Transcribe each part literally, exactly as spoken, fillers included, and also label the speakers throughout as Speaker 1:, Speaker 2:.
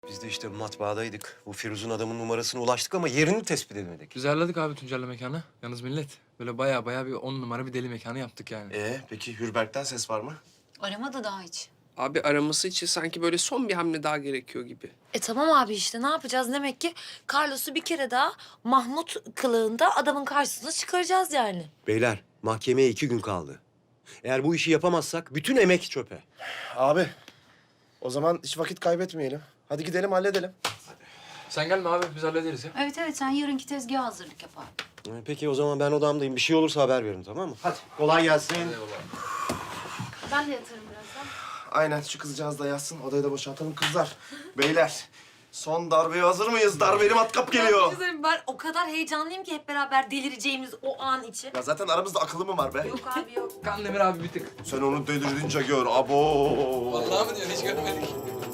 Speaker 1: Biz de işte matbaadaydık. Bu Firuz'un adamın numarasına ulaştık ama yerini tespit edemedik.
Speaker 2: Biz ayarladık abi Tuncer'le mekanı. Yalnız millet böyle baya baya bir on numara bir deli mekanı yaptık yani.
Speaker 3: Ee, peki Hürberk'ten ses var mı?
Speaker 4: Aramadı daha hiç.
Speaker 5: Abi araması için sanki böyle son bir hamle daha gerekiyor gibi.
Speaker 6: E tamam abi işte ne yapacağız? Demek ki Carlos'u bir kere daha Mahmut kılığında adamın karşısına çıkaracağız yani.
Speaker 1: Beyler, mahkemeye iki gün kaldı. Eğer bu işi yapamazsak bütün emek çöpe.
Speaker 3: Abi, o zaman hiç vakit kaybetmeyelim. Hadi gidelim halledelim.
Speaker 2: Sen gelme abi biz hallederiz ya.
Speaker 4: Evet evet sen yarınki tezgaha hazırlık yap abi.
Speaker 1: Ee, Peki o zaman ben odamdayım. Bir şey olursa haber verin, tamam mı? Hadi kolay gelsin.
Speaker 4: Ben de yatarım birazdan.
Speaker 3: Aynen, şu kızcağız da yatsın. Odayı da boşaltalım kızlar. Beyler, son darbeye hazır mıyız? Darbeli matkap geliyor.
Speaker 6: Güzelim, ben o kadar heyecanlıyım ki hep beraber delireceğimiz o an için.
Speaker 3: Ya zaten aramızda akıllı mı var be?
Speaker 6: Yok abi yok.
Speaker 2: Kandemir abi bir tık.
Speaker 3: Sen onu delirince gör. Abo.
Speaker 2: Vallahi mı diyorsun hiç görmedik.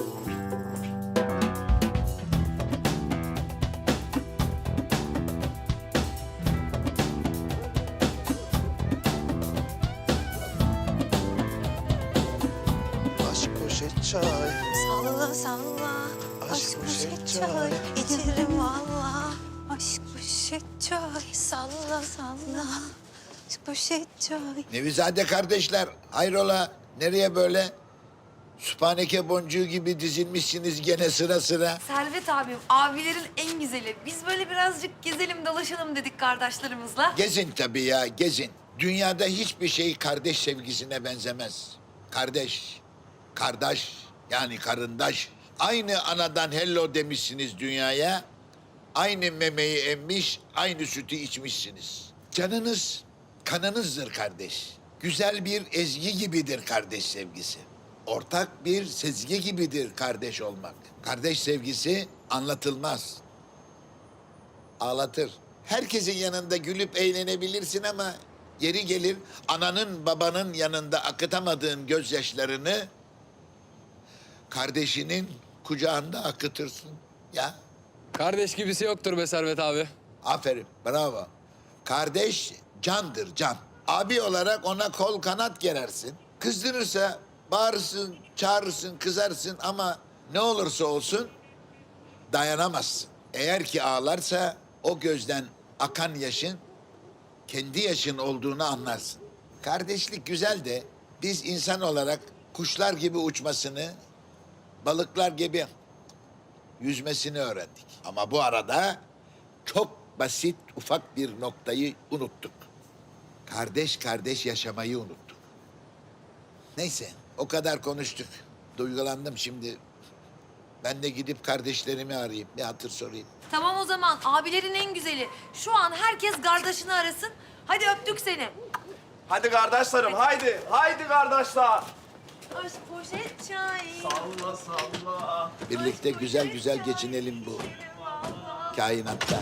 Speaker 3: Aşk poşet çay.
Speaker 7: Salla salla, aşk poşet çay, içerim valla. Aşk poşet çay, salla salla, aşk poşet çay.
Speaker 8: Nevizade kardeşler, hayrola? Nereye böyle? Süphaneke boncuğu gibi dizilmişsiniz gene sıra sıra.
Speaker 6: Servet abim, abilerin en güzeli. Biz böyle birazcık gezelim dolaşalım dedik kardeşlerimizle.
Speaker 8: Gezin tabii ya, gezin. Dünyada hiçbir şey kardeş sevgisine benzemez. Kardeş, kardeş, yani karındaş. Aynı anadan hello demişsiniz dünyaya. Aynı memeyi emmiş, aynı sütü içmişsiniz. Canınız, kanınızdır kardeş. Güzel bir ezgi gibidir kardeş sevgisi. Ortak bir sezgi gibidir kardeş olmak. Kardeş sevgisi anlatılmaz. Ağlatır. Herkesin yanında gülüp eğlenebilirsin ama yeri gelir ananın babanın yanında akıtamadığın gözyaşlarını kardeşinin kucağında akıtırsın. Ya
Speaker 2: Kardeş gibisi yoktur be Servet abi.
Speaker 8: aferin, bravo. Kardeş candır, can. Abi olarak ona kol kanat gerersin. Kızdırırsa bağırırsın, çağırırsın, kızarsın ama ne olursa olsun dayanamazsın. Eğer ki ağlarsa o gözden akan yaşın kendi yaşın olduğunu anlarsın. Kardeşlik güzel de biz insan olarak kuşlar gibi uçmasını, balıklar gibi yüzmesini öğrendik. Ama bu arada çok basit ufak bir noktayı unuttuk. Kardeş kardeş yaşamayı unuttuk. Neyse o kadar konuştuk. Duygulandım şimdi. Ben de gidip kardeşlerimi arayayım. Bir hatır sorayım.
Speaker 6: Tamam o zaman abilerin en güzeli. Şu an herkes kardeşini arasın. Hadi öptük seni.
Speaker 3: Hadi kardeşlerim, haydi. Haydi kardeşler.
Speaker 6: Aşk poşet çay.
Speaker 3: Salla salla.
Speaker 8: Birlikte güzel güzel geçinelim bu kainatta.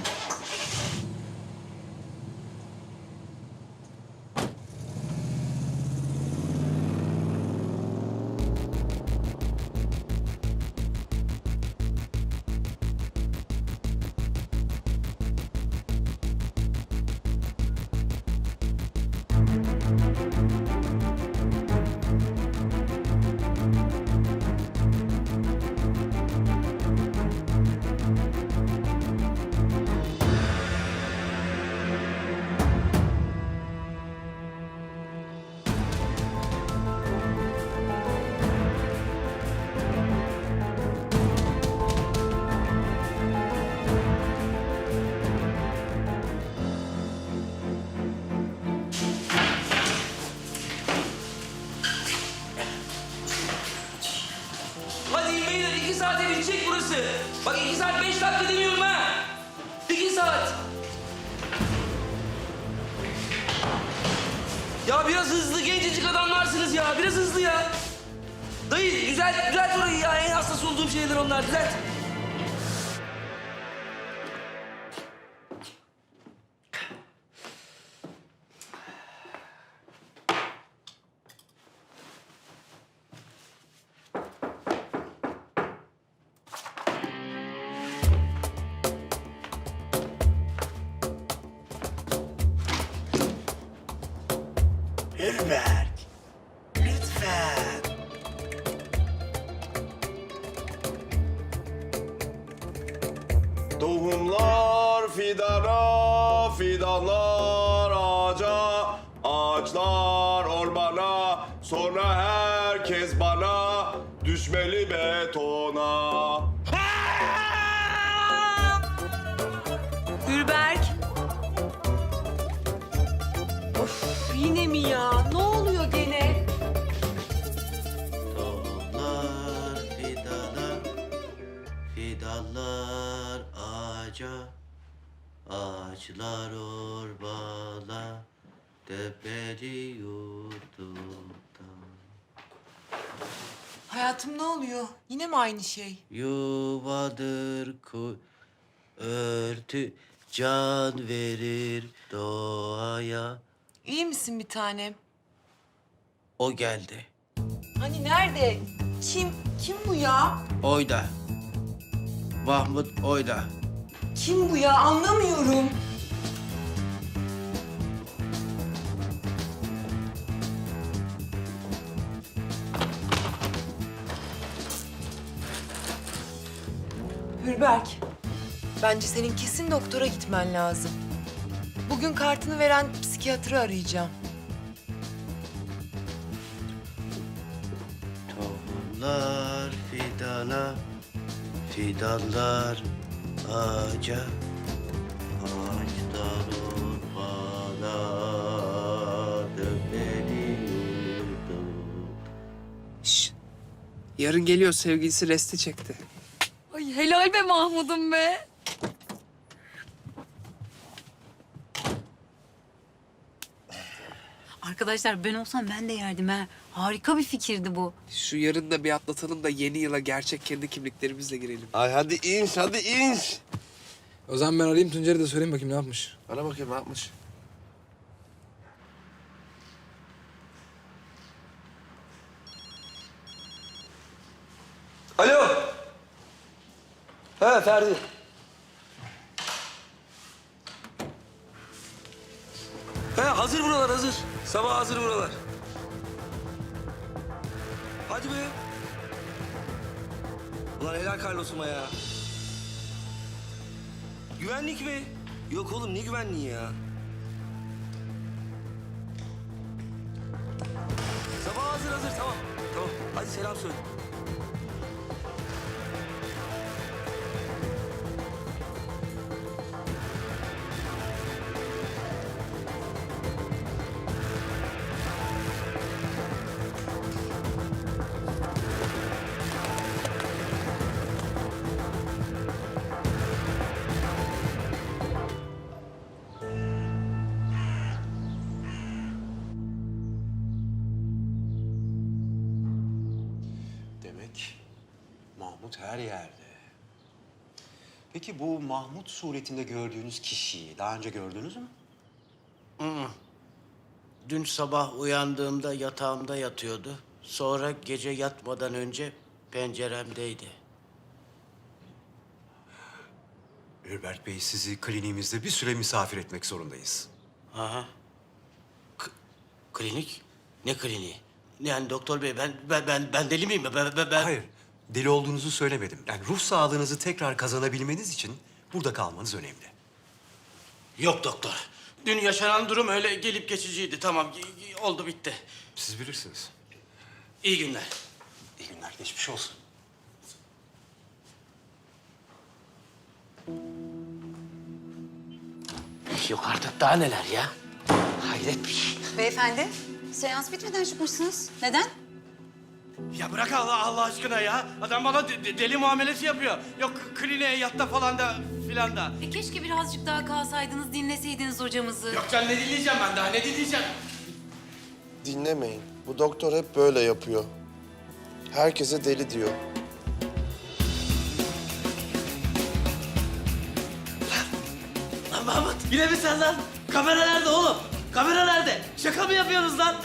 Speaker 9: Hadi beyler iki saate bitecek burası. Bak iki saat beş dakika demiyorum ha. İki saat. Ya biraz hızlı gencecik adamlarsınız ya. Biraz hızlı ya. Dayı düzelt, düzelt orayı ya. En hassas olduğum şeyler onlar. Düzelt.
Speaker 8: Hürberk, lütfen.
Speaker 3: Tohumlar fidana, fidanlar ağaca, ağaçlar ormana, sonra herkes bana düşmeli betona.
Speaker 6: Gülberk. Of yine mi ya? Ne oluyor gene?
Speaker 10: Tohumlar fidana, fidanlar ağaca, ağaçlar ormana, tepeli yurdumda.
Speaker 6: Hayatım ne oluyor? Yine mi aynı şey?
Speaker 10: Yuvadır ku örtü, can verir doğaya.
Speaker 6: İyi misin bir tanem?
Speaker 10: O geldi.
Speaker 6: Hani nerede? Kim? Kim bu ya?
Speaker 10: Oyda. Mahmut Oyda.
Speaker 6: Kim bu ya? Anlamıyorum. Hürberk, bence senin kesin doktora gitmen lazım. Bugün kartını veren psikiyatrı arayacağım.
Speaker 10: Tohumlar fidana, fidanlar ağaca, ağaçlar ormana, dönmeli yurdum.
Speaker 5: Şş. Yarın geliyor sevgilisi resti çekti.
Speaker 6: Ay helal be Mahmud'um be.
Speaker 4: Arkadaşlar ben olsam ben de yerdim ha. Harika bir fikirdi bu.
Speaker 5: Şu yarın da bir atlatalım da yeni yıla gerçek kendi kimliklerimizle girelim.
Speaker 3: Ay hadi ins, hadi ins.
Speaker 2: O zaman ben arayayım Tuncer'i de söyleyeyim bakayım ne yapmış.
Speaker 3: Bana bakayım ne yapmış?
Speaker 9: Alo. Ha Ferdi. Ha hazır buralar hazır. Sabah hazır buralar. Hadi be. Ulan helal Carlos'uma ya. Güvenlik mi? Yok oğlum ne güvenliği ya? Sabah hazır hazır tamam. Tamam hadi selam söyle.
Speaker 1: Demek Mahmut her yerde. Peki bu Mahmut suretinde gördüğünüz kişiyi daha önce gördünüz mü?
Speaker 10: Hı. Dün sabah uyandığımda yatağımda yatıyordu. Sonra gece yatmadan önce penceremdeydi.
Speaker 1: Hürberk Bey, sizi kliniğimizde bir süre misafir etmek zorundayız.
Speaker 10: Aha. K- klinik? Ne kliniği? Yani doktor bey ben ben ben, ben deli miyim? Ben, ben, ben...
Speaker 1: Hayır, deli olduğunuzu söylemedim. Yani ruh sağlığınızı tekrar kazanabilmeniz için burada kalmanız önemli.
Speaker 10: Yok doktor. Dün yaşanan durum öyle gelip geçiciydi. Tamam y- y- oldu bitti.
Speaker 1: Siz bilirsiniz.
Speaker 10: İyi günler.
Speaker 1: İyi günler, geçmiş olsun.
Speaker 10: Yok artık daha neler ya? Hayret bir şey.
Speaker 4: Beyefendi, seans bitmeden çıkmışsınız. Neden?
Speaker 10: Ya bırak Allah Allah aşkına ya. Adam bana de- de- deli muamelesi yapıyor. Yok kliniğe yatta falan da filan da.
Speaker 4: E keşke birazcık daha kalsaydınız, dinleseydiniz hocamızı.
Speaker 10: Yok can ne dinleyeceğim ben daha ne dinleyeceğim?
Speaker 3: Dinlemeyin. Bu doktor hep böyle yapıyor. Herkese deli diyor.
Speaker 10: Lan Mahmut yine mi sen lan? Kamera nerede oğlum? Kamera nerede? Şaka mı yapıyorsunuz lan?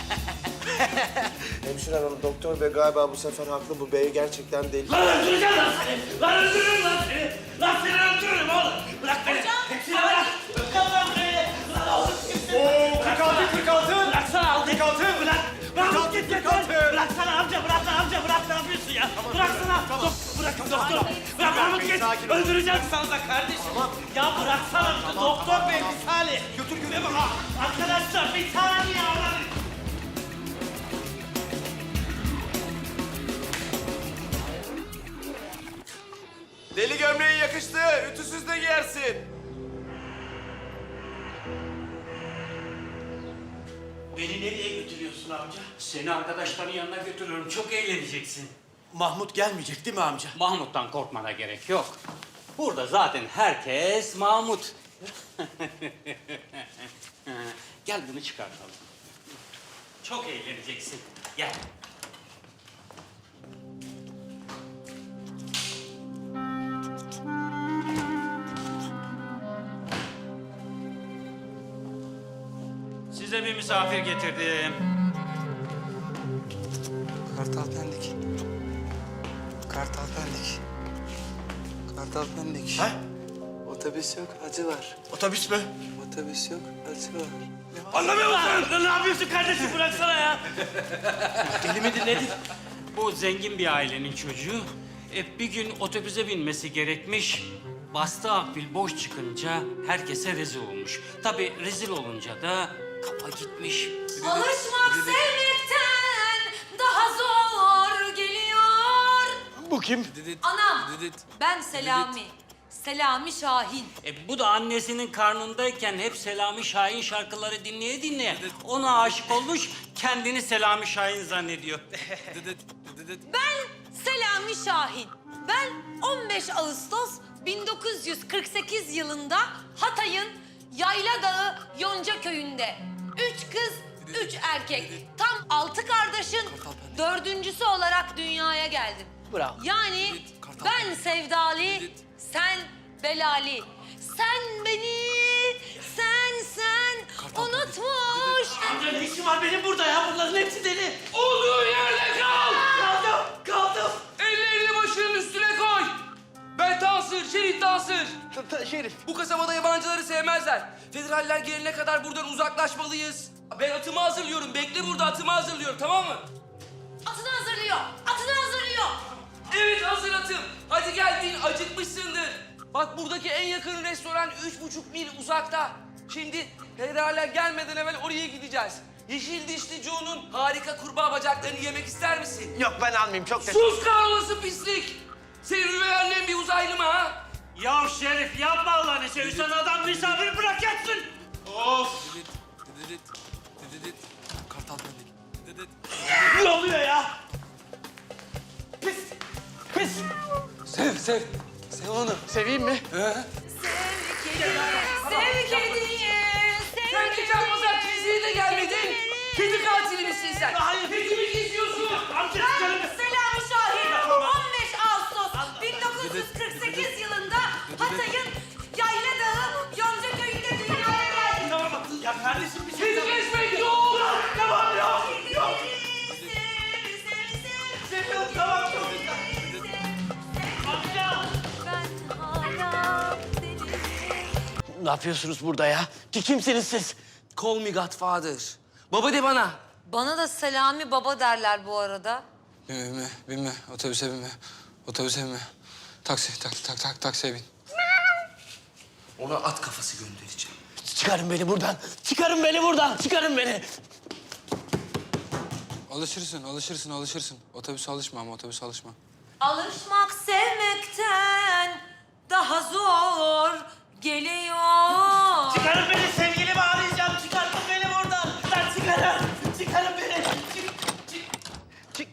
Speaker 3: Hemşire hanım, doktor bey galiba bu sefer haklı. Bu bey gerçekten deli.
Speaker 9: Lan öldüreceğim lan seni! Lan öldürürüm lan seni! Lan seni öldürürüm oğlum! Bırak beni! Hepsini bırak! Bırak lan beni! Lan oğlum kimsin? Oo, kırk altı, kırk altı! Bıraksana al! kırk altı! Bırak! Bırak git git! Bıraksana amca! Bırak lan amca! Bırak ne yapıyorsun ya? Bıraksana! Dok- Bırak doktor! Bırak Ya Mahmut git. Öldüreceğim sana da kardeşim. Ya bıraksana. Doktor bey bir saniye. Götür götür. Arkadaşlar bir saniye. Allah'ım.
Speaker 3: Deli gömleği yakıştı. Ütüsüz de giyersin.
Speaker 9: Beni nereye götürüyorsun amca?
Speaker 11: Seni arkadaşların yanına götürüyorum. Çok eğleneceksin.
Speaker 9: Mahmut gelmeyecek değil mi amca?
Speaker 11: Mahmut'tan korkmana gerek yok. Burada zaten herkes Mahmut. Gel bunu çıkartalım. Çok eğleneceksin. Gel. Size bir misafir getirdim.
Speaker 2: Kartal Pendik. Kartal Pendik. Kartal Pendik.
Speaker 3: Ha?
Speaker 2: Otobüs yok, acı var.
Speaker 3: Otobüs mü?
Speaker 2: Otobüs yok, acı var.
Speaker 9: Anlamıyor musun? Ne yapıyorsun kardeşim? Bıraksana ya.
Speaker 3: Deli midir nedir?
Speaker 11: Bu zengin bir ailenin çocuğu. E, bir gün otobüse binmesi gerekmiş. Bastığı akbil boş çıkınca herkese rezil olmuş. Tabii rezil olunca da kafa gitmiş.
Speaker 6: Alışmak sevmekten daha zor geliyor.
Speaker 3: Bu kim?
Speaker 6: Anam, ben Selami. Selami Şahin.
Speaker 11: E, bu da annesinin karnındayken hep Selami Şahin şarkıları dinleye dinleye ona aşık olmuş, kendini Selami Şahin zannediyor.
Speaker 6: Ben Selami Şahin. Ben on beş Ağustos bin dokuz yüz kırk sekiz yılında Hatay'ın Yayla Dağı Yonca Köyü'nde üç kız, üç erkek, tam altı kardeşin dördüncüsü olarak dünyaya geldim.
Speaker 3: Bravo.
Speaker 6: Yani ben sevdali, sen belali. Sen beni, sen sen unutmuş.
Speaker 9: Amca ne işin var benim burada ya? Bunların hepsi deli. Olduğu yerde kal. Kaldım, kaldım.
Speaker 2: Ellerini başının üstüne koy. Ben Tansır, Şerif Tansır.
Speaker 3: Şerif.
Speaker 2: Bu kasabada yabancıları sevmezler. Federaller gelene kadar buradan uzaklaşmalıyız. Ben atımı hazırlıyorum. Bekle burada, atımı hazırlıyorum, tamam mı?
Speaker 6: Atını hazırlıyor, atını hazırlıyor.
Speaker 2: Evet, hazır atım. Hadi gel bin, acıkmışsındır. Bak buradaki en yakın restoran üç buçuk mil uzakta. Şimdi federaller gelmeden evvel oraya gideceğiz. Yeşil dişli Joe'nun harika kurbağa bacaklarını yemek ister misin?
Speaker 3: Yok ben almayayım çok teşekkür
Speaker 2: Sus kahrolası pislik! Senin üvey annen bir uzaylı mı ha?
Speaker 9: Ya Şerif yapma Allah'ını seversen adam misafir bırak yatsın. Of.
Speaker 2: Kartal Pendik.
Speaker 9: Ne oluyor ya? Pis. Pis.
Speaker 2: Sev, sev. Sev onu.
Speaker 3: Seveyim mi?
Speaker 6: Sev kediyi,
Speaker 2: Sen geçen pazar kiliseye de gelmedin. Kedi katili misin sen?
Speaker 9: Hayır.
Speaker 2: Kedimi geziyorsun.
Speaker 9: Amca
Speaker 6: Ben
Speaker 9: çıkarın.
Speaker 6: Selami Şahin, on beş Ağustos bin dokuz yüz kırk sekiz yılında Hatay'ın Yayla Dağı Yonca Köyü'nde dünyaya geldim.
Speaker 9: Tamam. Ya kardeşim bir şey
Speaker 2: Kedi kesmek yok.
Speaker 9: Tamam yok. Yok.
Speaker 6: Sev, sev, sev.
Speaker 9: Seviyorum tamam çok güzel. Amca.
Speaker 6: Ben hala seni.
Speaker 3: Ne yapıyorsunuz burada ya? Ki kimsiniz siz?
Speaker 2: Call me Godfather. Baba de bana.
Speaker 6: Bana da Selami Baba derler bu arada.
Speaker 2: Binme, binme, binme. Otobüse binme. Otobüse binme. Taksi, tak, tak, tak, taksiye bin.
Speaker 3: Ona at kafası göndereceğim. Çıkarın beni buradan. Çıkarın beni buradan. Çıkarın beni.
Speaker 2: Alışırsın, alışırsın, alışırsın. Otobüse alışma ama otobüse alışma.
Speaker 6: Alışmak sevmekten daha zor geliyor.
Speaker 9: Çıkarın beni sevgilimi arayacağım. Çıkarın beni buradan. Lan çıkarın. Çıkarın beni. Çık. Çık.
Speaker 3: Çık.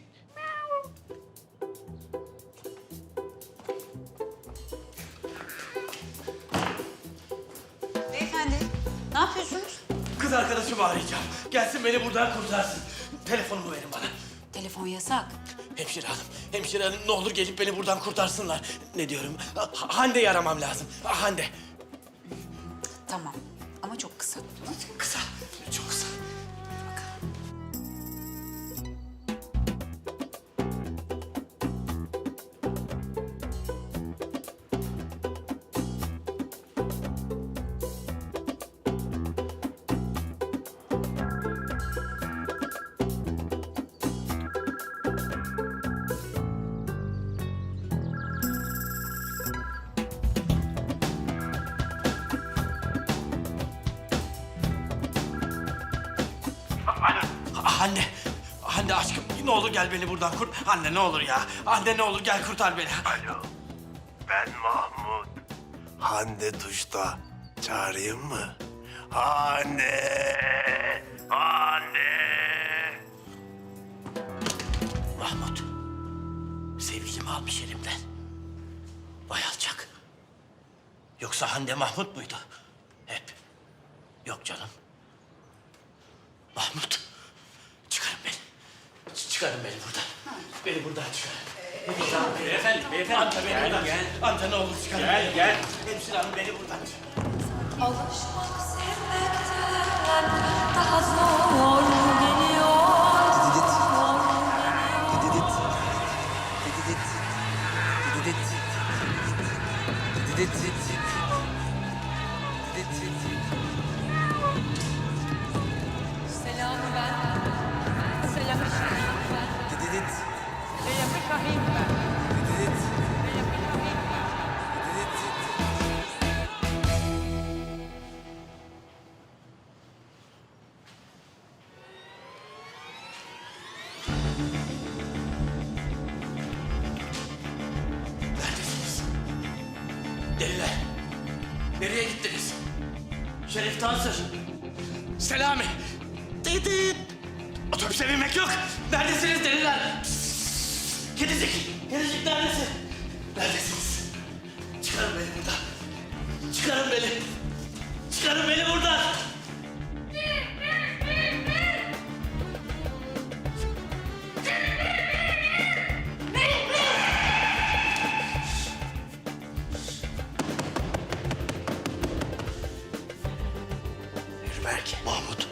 Speaker 4: Beyefendi, ne yapıyorsunuz?
Speaker 9: Kız arkadaşımı arayacağım. Gelsin beni buradan kurtarsın. Telefonumu verin bana.
Speaker 4: Telefon yasak.
Speaker 3: Hemşire hanım, hemşire hanım ne olur gelip beni buradan kurtarsınlar. Ne diyorum? Ha- Hande'yi aramam lazım. Ha, Hande.
Speaker 4: Tamam ama çok kısa.
Speaker 3: Kısa, çok kısa.
Speaker 10: Anne, anne aşkım ne olur gel beni buradan kurt. Anne ne olur ya. Anne ne olur gel kurtar beni.
Speaker 9: Alo, ben Mahmut. Hande duşta. Çağırayım mı? Anne, anne.
Speaker 10: Mahmut, sevgilimi almış elimden. Vay alçak. Yoksa Hande Mahmut muydu? Hep. Yok canım. Mahmut, çıkarın beni. Ç- Çıkarın beni buradan. Beni buradan çıkarın.
Speaker 11: Beyefendi, beyefendi.
Speaker 10: Anta beni buradan.
Speaker 11: Gel.
Speaker 10: Anta ne olur çıkarın
Speaker 11: Gel,
Speaker 10: beni.
Speaker 11: gel.
Speaker 10: Hemşire hanım beni buradan çıkarın.
Speaker 6: Alışmak sevmekten daha zor geliyor.
Speaker 1: Dididit.
Speaker 6: Zor geliyor.
Speaker 1: Dididit. Dididit. Dididit. Dididit. Dididit.
Speaker 6: Selam ben. Selam Şahin ben.
Speaker 1: Dididit.
Speaker 6: Selam Şahin ben.
Speaker 1: Dididit.
Speaker 6: Selam Şahin ben.
Speaker 10: Neredesiniz? Deliler. Nereye gittiniz? Şerif Tansır. Selami. Didit. Otobüse binmek yok. Neredesiniz deliler? Kedicik. Kedicik neredesin? Neredesiniz? Çıkarın beni buradan. Çıkarın beni. Çıkarın beni buradan.
Speaker 9: Hürberk. Mahmut.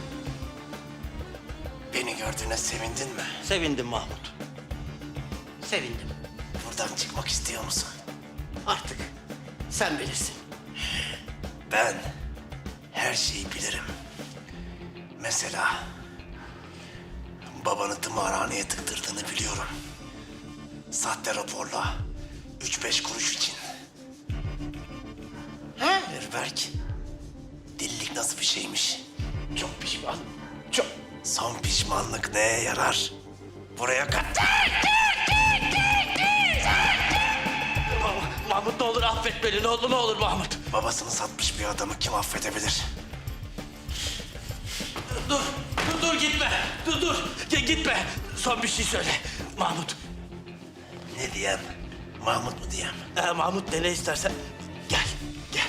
Speaker 9: Beni gördüğüne sevindin mi?
Speaker 10: Sevindim Mahmut. Sevindim.
Speaker 9: Buradan çıkmak istiyor musun?
Speaker 10: Artık sen bilirsin.
Speaker 9: Ben her şeyi bilirim. Mesela babanı tımarhaneye tıktırdığını biliyorum. Sahte raporla üç beş kuruş için. Ha? Hürberk, delilik nasıl bir şeymiş?
Speaker 10: Çok pişman. Çok.
Speaker 9: Son pişmanlık neye yarar? Buraya kat...
Speaker 10: Mah- Mahmut ne olur affet beni. Ne olur ne olur Mahmut.
Speaker 9: Babasını satmış bir adamı kim affedebilir?
Speaker 10: Dur. Dur dur gitme. Dur dur. G- gitme. Son bir şey söyle. Mahmut.
Speaker 9: Ne diyem? Mahmut mu diyem?
Speaker 10: Ee, Mahmut ne, ne istersen. Gel. Gel.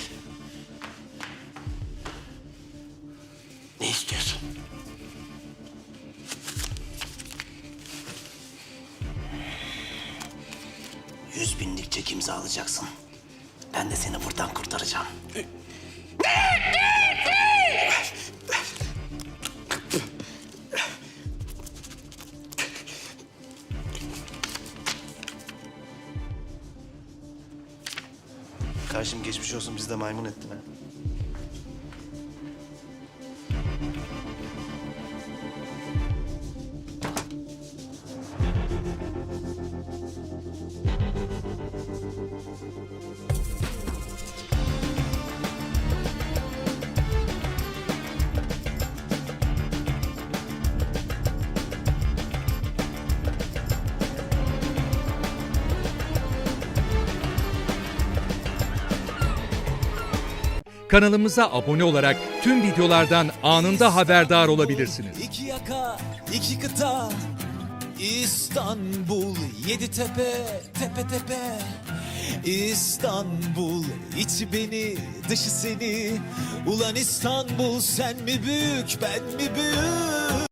Speaker 10: Ne istiyorsun?
Speaker 9: Yüz binlik çek imzalayacaksın. Ben de seni buradan kurtaracağım. Karşım geçmiş olsun, biz de maymun ettin ha.
Speaker 12: Kanalımıza abone olarak tüm videolardan anında haberdar olabilirsiniz.
Speaker 13: İki yaka, iki kıta, İstanbul, yedi tepe, tepe tepe. İstanbul, içi beni, dışı seni. Ulan İstanbul, sen mi büyük, ben mi büyük?